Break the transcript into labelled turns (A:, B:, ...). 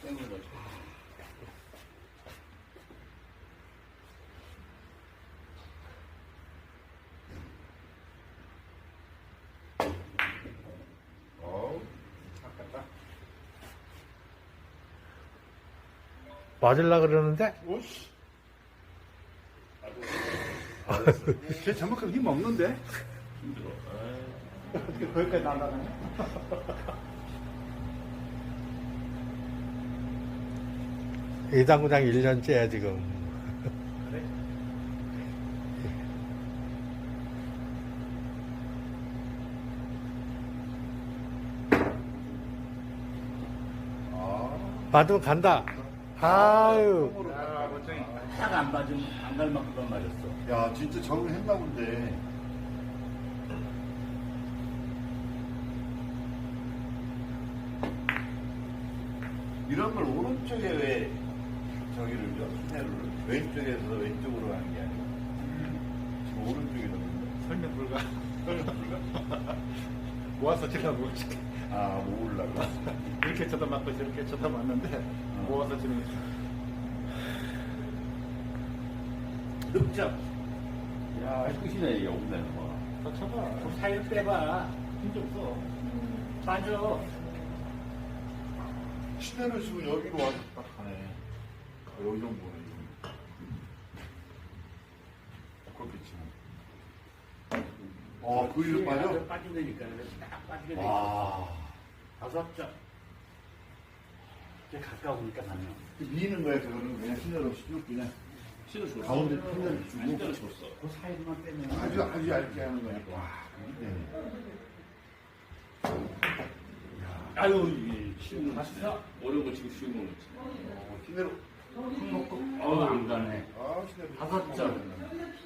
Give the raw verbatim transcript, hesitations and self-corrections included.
A: 땡는 거죠.
B: 어우, 아깝다.
C: 맞을라 그러는데?
B: 오씨. 쟤 저만큼 힘 없는데?
A: 힘들어.
B: 어떻게 거기까지 날아가냐?
C: 이당구장 일 년째야, 지금.
B: 그래? 아,
C: 맞으면 간다. 아유.
B: 야, 멋쟁이.
A: 딱안 맞으면 안 갈 만큼만 맞았어.
B: 야, 진짜 적응했나 본데. 이런 걸 오른쪽에 왜 저기를 줘? 시내를 왼쪽에서 왼쪽으로 가는 게 아니고 지금 오른쪽에 넣는
D: 설명 불가.
B: 설명 불가?
D: 모아서 치려고
B: 아, 모으려고.
D: 이렇게 쳐다맞고 저렇게 쳐다봤는데 모아서 치는 게
A: 득점. 야, 끝이네, 이게 없는 거.
D: 더 쳐봐.
A: 좀 사이를 빼봐.
D: 힘좀 써.
A: 빠져.
B: 시내를 지금 여기로 와서 딱 가네. 아, 여기 정도네, 이거. 그렇게 치면. 어, 그 위로 빠져?
A: 빠진다니까. 그래서 딱 빠지게 돼.
B: 와.
A: 다섯 점. 이제 가까우니까 가면.
B: 미는 거야, 그거는. 그냥 시내로 쭉 그냥.
A: 신을 줬어.
B: 가운데 핀을 주고.
A: 신을 줬어. 그 사이드만 빼면.
B: 아주, 아주 얇게 하는 거야. 와, 그게
A: 아유, 이게 쉬운 거 같아. 어려운 거 지금 쉬운 거 같지.
B: 어, 시내로.
A: 큰 먹고, 어우, 안 가네.
B: 아, 시내로.
A: 다섯 점.